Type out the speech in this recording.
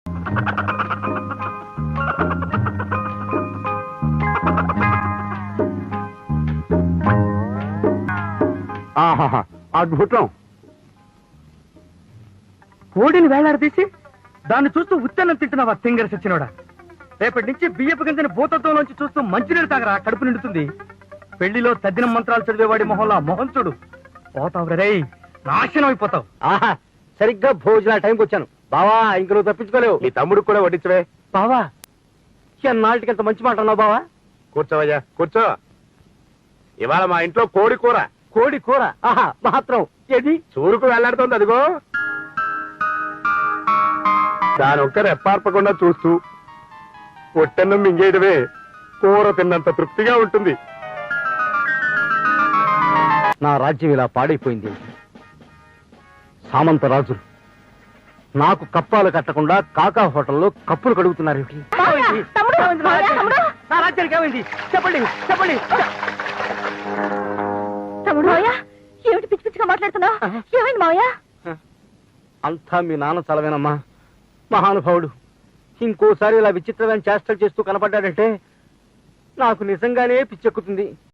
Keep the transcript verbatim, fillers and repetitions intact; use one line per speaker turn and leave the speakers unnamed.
ఆహాహా, అద్భుతం.
కోడిని వేలాడదీసి దాన్ని చూస్తూ ఉత్తన్నం తింటున్నావా తింగర సచ్చినోడా? రేపటి నుంచి బియ్యపు గింజని భూతత్వంలోంచి చూస్తూ మంచినీళ్ళు తాగరా, కడుపు నిండుతుంది. పెళ్లిలో తద్దినం మంత్రాలు చదివేవాడి మొహంలా మొహం చూడు, పోతావు రే, నాశనం అయిపోతావు.
ఆహా, సరిగ్గా భోజన టైంకి వచ్చాను బావా. ఇంక నువ్వు తప్పించుకోలేవు.
నీ తమ్ముడికి కూడా వడ్డించవే.
బావా, ఎన్నాళ్ళకి ఎంత మంచి మాట అన్నావు బావా.
కూర్చోవయ్యా, కూర్చో. ఇవాళ మా ఇంట్లో కోడి కూర.
కోడి కూర? ఆహా, మాత్రం ఏది?
చూరుకు వెళ్లాడుతోంది అదిగో. దాని ఒక్క రెప్పార్పకుండా చూస్తూ పొట్టన్నం మింగేయడమే కూర తిన్నంత తృప్తిగా ఉంటుంది.
నా రాజ్యం ఇలా పాడైపోయింది. సామంత రాజులు నాకు కప్పాలు కట్టకుండా కాకా హోటల్లో కప్పులు కడుగుతున్నారు. నా రాజ్యానికి ఏమైంది చెప్పండి, చెప్పండి.
తమ్ముడు ఏమిటి పిచ్చి పిచ్చిగా మాట్లాడుతున్నావు? ఏమైంది మావయ్య?
అంతా మీ నాన్న చలవేనమ్మా. మహానుభావుడు ఇంకోసారి ఇలా విచిత్రమైన చేష్టలు చేస్తూ కనపడ్డాడంటే నాకు నిజంగానే పిచ్చెక్కుతుంది.